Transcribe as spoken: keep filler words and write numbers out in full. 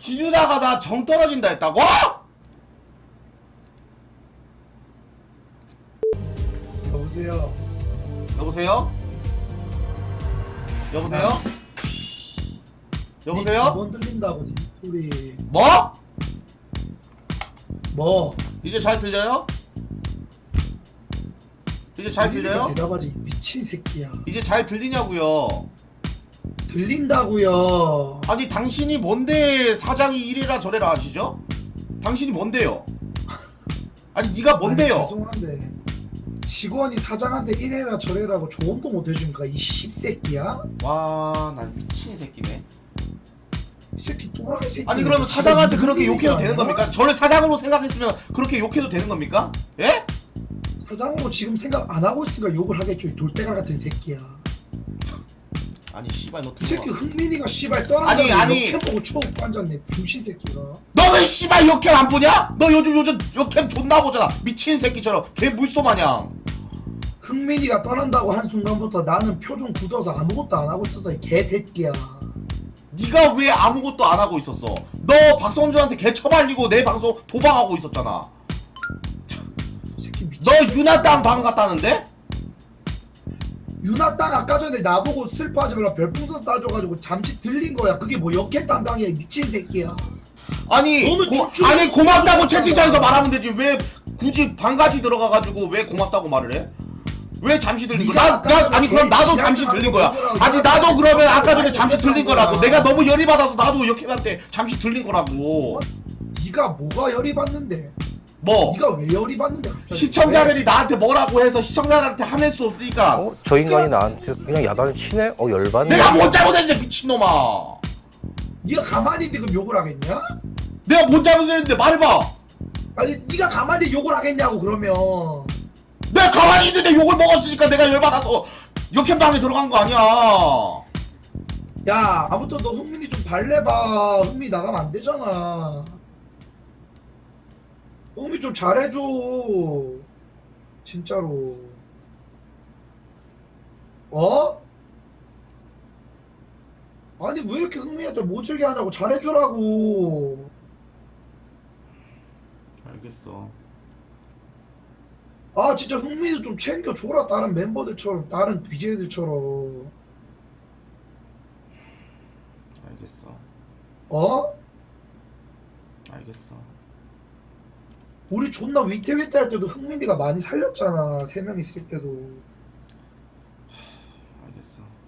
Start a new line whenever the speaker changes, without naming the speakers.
기누다가 나 정 떨어진다 했다고?
여보세요.
여보세요? 여보세요? 여보세요?
두번 들린다고 니 소리.
뭐?
뭐?
이제 잘 들려요? 이제 잘 들려요?
대답하지 미친 새끼야.
이제 잘 들리냐고요?
들린다고요.
아니 당신이 뭔데 사장이 이래라 저래라 하시죠? 당신이 뭔데요? 아니 네가 뭔데요?
아니, 죄송한데 직원이 사장한테 이래라 저래라고 조언도 못 해주니까 이 씹새끼야?
와, 난 미친 새끼네.
이 새끼 또라이 새끼.
아니 그러면 사장한테 그렇게 욕해도 되는 겁니까? 저를 사장으로 생각했으면 그렇게 욕해도 되는 겁니까? 예?
사장으로 지금 생각 안 하고 있으니까 욕을 하겠죠. 이 돌대가 같은 새끼야.
아니 씨발 너
이 새끼
들어와.
흥민이가 씨발 떠나고
아니, 아니.
보고 초고 앉았네. 병신 새끼가.
너 왜 씨발 역캠 안 보냐? 너 요즘 요즘 역캠 존나 보잖아. 미친 새끼처럼 개 물소 마냥.
흥민이가 떠난다고 한 순간부터 나는 표정 굳어서 아무것도 안 하고 있었어. 이 개새끼야.
네가 왜 아무것도 안 하고 있었어? 너 박성준한테 개 처발리고 내 방송 도박하고 있었잖아.
이 새끼 미친.
너 유나 땅 방 갔다는데?
유나 땅 아까 전에 나보고 슬퍼하지 말라 별풍선 쏴줘가지고 잠시 들린 거야. 그게 뭐 역캠 담당이야. 미친 새끼야.
아니
너는
고,
춤추는
아니 고맙다고
춤추는
채팅창에서
거야.
말하면 되지 왜 굳이 방까지 들어가가지고 왜 고맙다고 말을 해? 왜 잠시 들린 거야? 나,
네가
나
아까
아니 그럼
전에
나도 잠시
지하철
들린 거야.
타고
아니
내가
나도 그러면 아까 전에
아니,
잠시
내가
들린
한
거라고.
거야.
내가 너무 열이 받아서 나도 역캠한테 잠시 들린 거라고.
네가 뭐가 열이 받는데?
뭐
네가 왜 열이 받는데 갑자기?
시청자들이 나한테 뭐라고 해서 시청자들한테 화낼 수 없으니까
어? 저 인간이 나한테 그냥 야단을 치네? 어 열받네.
내가 뭔 잘못했는데 미친놈아.
네가 가만히 있는데 그럼 욕을 하겠냐?
내가 뭔 잘못했는데 말해봐.
아니 네가 가만히 욕을 하겠냐고 그러면.
내가 가만히 있는데 욕을 먹었으니까 내가 열받아서 역캠방에 들어간 거 아니야.
야 아무튼 너 흥민이 좀 달래봐. 흥민이 나가면 안 되잖아. 흥민이 좀 잘해줘. 진짜로. 어? 아니 왜 이렇게 흥민이한테 모질게 하냐고. 잘해주라고.
알겠어.
아 진짜 흥민이도 좀 챙겨줘라. 다른 멤버들처럼 다른 비제이들처럼.
알겠어.
어?
알겠어.
우리 존나 위태위태 할 때도 흥민이가 많이 살렸잖아. 세 명 있을 때도.
알겠어.